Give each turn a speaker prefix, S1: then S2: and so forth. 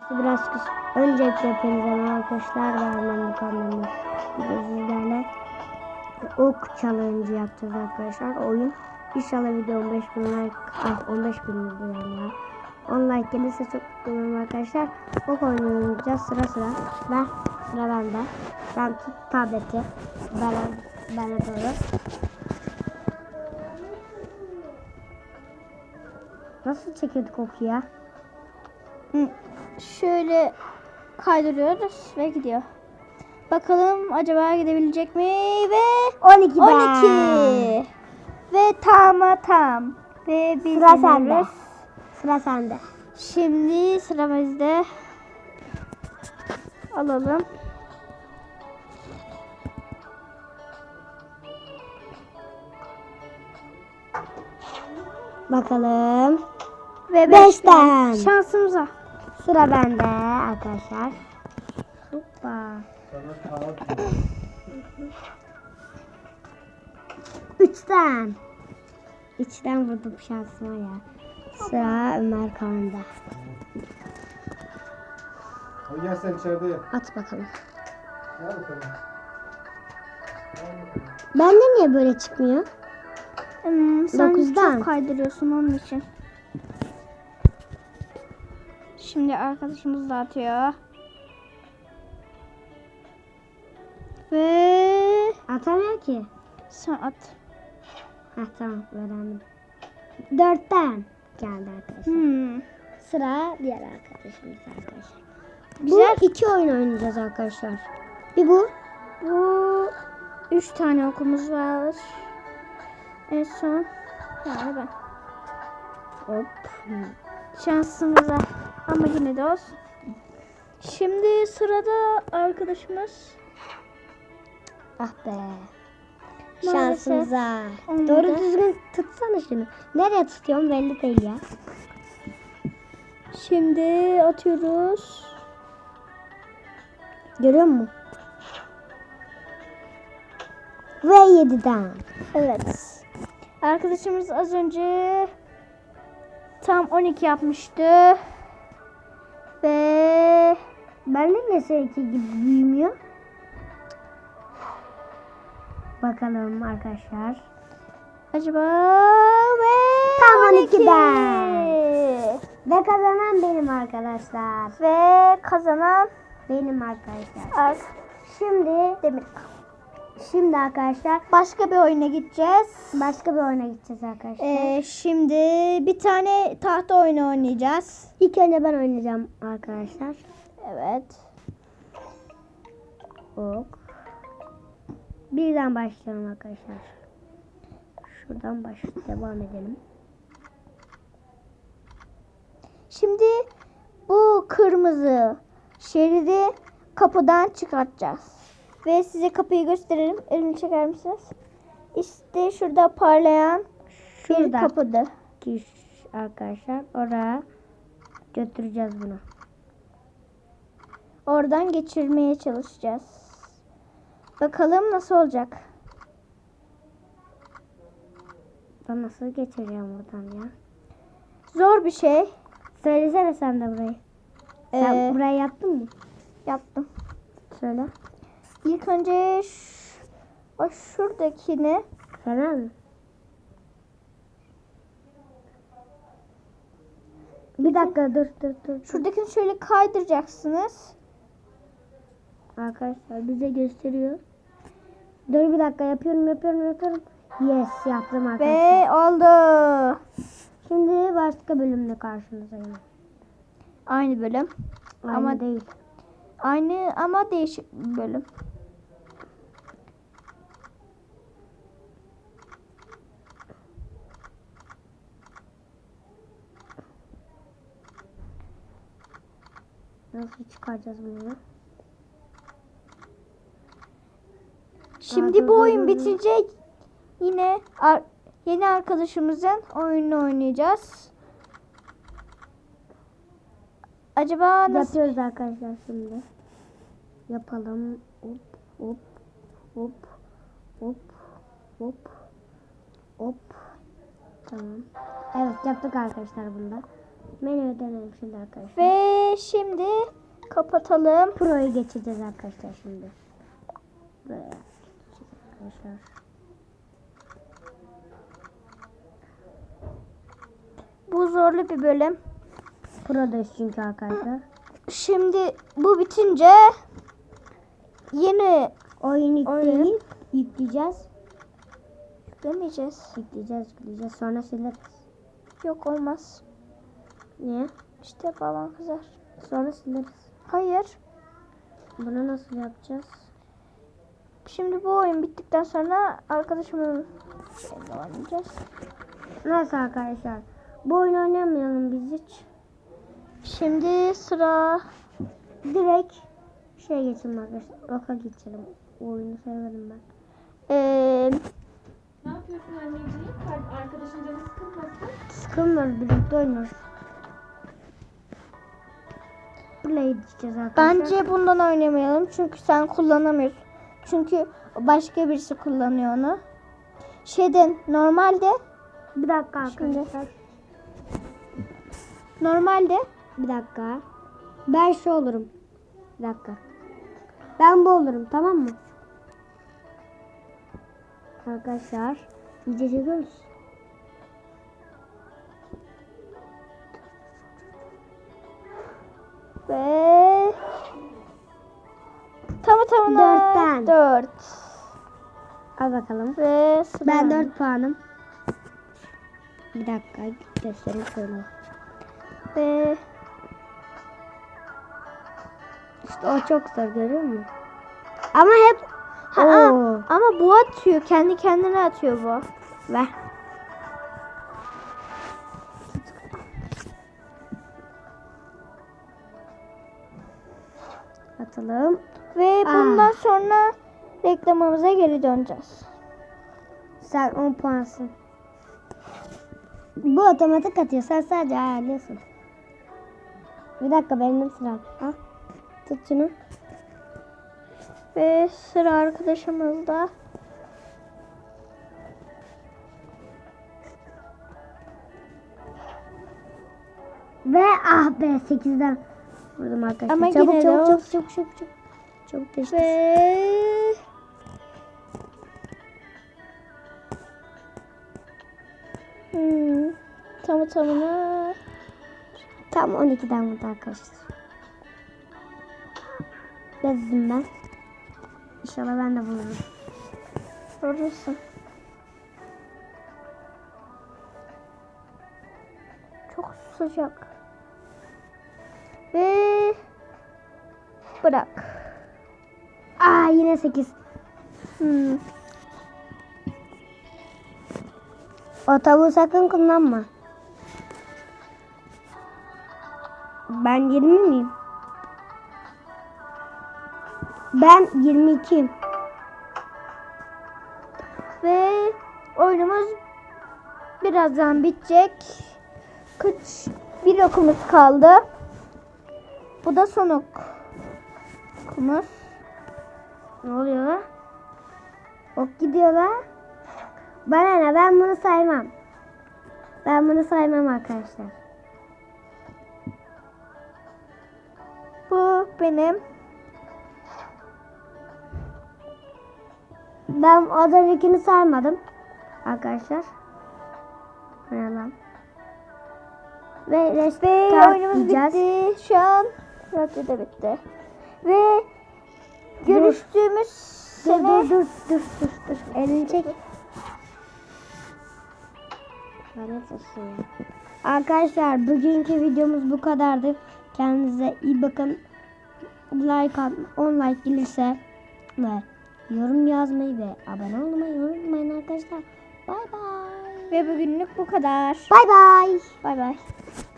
S1: Biraz öncelikle hepinize merhaba arkadaşlar. Ben bu kanalımda sizlerle ok challenge yapacağız arkadaşlar. Oyun inşallah video 15 bin like 15 bin yani. 10 like gelirse çok mutlu olurum arkadaşlar. Ok oynayacağız sıra sıra. Sıra bende. Ben tut tableti. Bana doğru. Nasıl çekiyorduk oku ya?
S2: Şöyle kaydırıyoruz ve gidiyor. Bakalım acaba gidebilecek mi? Ve
S1: 12
S2: 12. Ve tam. Ve biz
S1: Sıra sende.
S2: gidiyoruz.
S1: Sıra sende.
S2: Şimdi sıra bizde. Alalım.
S1: Bakalım.
S2: Ve
S1: 5'ten.
S2: Şansımıza.
S1: Sıra bende arkadaşlar. Hoppa. 3'ten. 3'ten vurdum şansıma ya. Sıra Ömer Kaan'da.
S3: Hadi gel sen içeride yap.
S1: At bakalım.
S3: Gel bakalım.
S1: Bende niye böyle çıkmıyor?
S2: Sen
S1: 9'dan.
S2: çok kaydırıyorsun onun için. Şimdi arkadaşımız da atıyor. Ve
S1: Atamıyor ki.
S2: sen at.
S1: Heh tamam öğrendim. 4'ten geldi arkadaşlar. Sıra diğer arkadaşımız arkadaşlar.
S2: Güzel.
S1: Bu 2 oyun oynayacağız arkadaşlar. Bir bu.
S2: Bu 3 tane okumuz var. En son yani ben.
S1: Hop.
S2: Şansımıza. Ama yine de olsun. Şimdi sırada arkadaşımız.
S1: Ah be.
S2: Maalesef
S1: Şansımıza.
S2: olmadı.
S1: Doğru düzgün tutsana şunu. Nereye tutuyorum belli değil ya.
S2: Şimdi atıyoruz.
S1: Görüyor musun? Ve 7'den.
S2: Evet. Arkadaşımız az önce tam 12 yapmıştı. Ve
S1: Bende ne seninki gibi büyümüyor? Bakalım arkadaşlar.
S2: acaba ve
S1: Tam
S2: 12.
S1: 12'den. Ve kazanan benim arkadaşlar.
S2: Ve kazanan
S1: Benim arkadaşlar.
S2: şimdi Demir.
S1: Şimdi arkadaşlar
S2: Başka bir oyuna gideceğiz.
S1: başka bir oyuna gideceğiz arkadaşlar.
S2: Şimdi bir tane tahta oyunu oynayacağız.
S1: İlk önce ben oynayacağım arkadaşlar.
S2: Evet.
S1: Ok. Birden başlayalım arkadaşlar. Şuradan devam edelim.
S2: Şimdi bu kırmızı şeridi kapıdan çıkartacağız. Ve size kapıyı gösterelim. Elini çeker misiniz? İşte şurada parlayan bir
S1: Şurada.
S2: kapıdı.
S1: Arkadaşlar oraya götüreceğiz bunu.
S2: Oradan geçirmeye çalışacağız. Bakalım nasıl olacak.
S1: Ben nasıl geçireceğim buradan ya?
S2: Zor bir şey.
S1: Söylesene sen de burayı. Sen burayı yaptın mı?
S2: Yaptım.
S1: Söyle.
S2: İlk önce o şuradakini
S1: Fena mı? Bir dakika dur.
S2: şuradakini şöyle kaydıracaksınız.
S1: Arkadaşlar bize gösteriyor. Dur bir dakika yapıyorum. Yes yaptım arkadaşlar.
S2: Ve oldu.
S1: Şimdi başka bölümde karşınızdayım.
S2: Aynı bölüm.
S1: Aynı
S2: Ama
S1: değil.
S2: Aynı ama değişik bir bölüm.
S1: Nasıl çıkaracağız bunu?
S2: Şimdi bu oyun bitecek. Yine yeni arkadaşımızın oyununu oynayacağız. Acaba nasıl?
S1: Yapıyoruz arkadaşlar şimdi. Yapalım. Hop. Tamam. Evet yaptık arkadaşlar bunda. Menüye dönelim şimdi arkadaşlar.
S2: Ve şimdi Kapatalım.
S1: Pro'yu geçeceğiz arkadaşlar şimdi. Böyle arkadaşlar.
S2: Bu zorlu bir bölüm.
S1: Pro'dayız çünkü arkadaşlar.
S2: Şimdi bu bitince yeni
S1: Oyun yükleyip yükleyeceğiz.
S2: demeyeceğiz.
S1: Yükleyeceğiz. Sonra sileriz.
S2: Yok olmaz.
S1: Niye?
S2: İşte babam kızar.
S1: Sonra sileriz.
S2: Hayır.
S1: Bunu nasıl yapacağız?
S2: Şimdi bu oyun bittikten sonra arkadaşımın şeyle oynayacağız.
S1: Nasıl arkadaşlar? Bu oyunu oynamayalım biz hiç.
S2: Şimdi sıra
S1: Direkt geçelim arkadaşlar. Oka geçelim. O oyunu sevmedim ben.
S4: Ne yapıyorsun anneciğim? Arkadaşın canı sıkılmasın.
S1: Sıkılmıyoruz, birlikte oynuyoruz. Play edeceğiz arkadaşlar.
S2: bence bundan oynamayalım çünkü sen kullanamıyorsun. Çünkü başka birisi kullanıyor onu. Normalde
S1: Bir dakika arkadaşlar. Bir dakika. Ben şu olurum. Bir dakika. Ben bu olurum, tamam mı? Arkadaşlar iyice çekiyoruz.
S2: ve tamına
S1: Dörtten.
S2: 4
S1: Al bakalım.
S2: ve sıra
S1: Ben 4 puanım. Bir dakika göstereyim şöyle.
S2: ve
S1: İşte o çok zor, görüyor musun? Ama hep Oo.
S2: ama bu atıyor. Kendi kendine atıyor bu.
S1: Ver. Atalım.
S2: Ve bundan sonra reklamımıza geri döneceğiz.
S1: Sen 10 puansın. Bu otomatik atıyor. Sen sadece ayarlıyorsun. Bir dakika, benim sıram. Al. Tut şunu.
S2: Ve sıra arkadaşımızda.
S1: Ve ah be, 8'den vurdum arkadaşlar.
S2: Ama
S1: Çabuk
S2: yine de
S1: çabuk
S2: olsun.
S1: çabuk çabuk çabuk. Çabuk değiştir.
S2: Ve tamına
S1: Tam 12'den vurdu arkadaşlar. Bezdim ben. İnşallah ben de vururum.
S2: vurursun. Çok sıcak. Ve bırak.
S1: Aa, yine 8. O tavuğu sakın kullanma. Ben 20 miyim? Ben 22'yim.
S2: Ve oyunumuz birazdan bitecek. Bir okumuz kaldı. Bu da son okumuz.
S1: Ne oluyor lan? Ok gidiyor lan. Bana ne? Ben bunu saymam. Ben bunu saymam arkadaşlar.
S2: Bu benim.
S1: Ben az öncekini saymadım. Arkadaşlar. Bu ne lan? Ve
S2: Ve
S1: restart
S2: oyunumuz
S1: diyeceğiz.
S2: bitti. Şu an radyo da bitti. Ve görüştüğümüz
S1: Dur
S2: sene
S1: dur. Elini çek. Lanet olsun ya. Arkadaşlar bugünkü videomuz bu kadardı. Kendinize iyi bakın. Like at, 10 like gelirse ve yorum yazmayı ve abone olmayı unutmayın arkadaşlar. Bay bay.
S2: ve bugünlük bu kadar.
S1: Bay bay.
S2: Bay bay.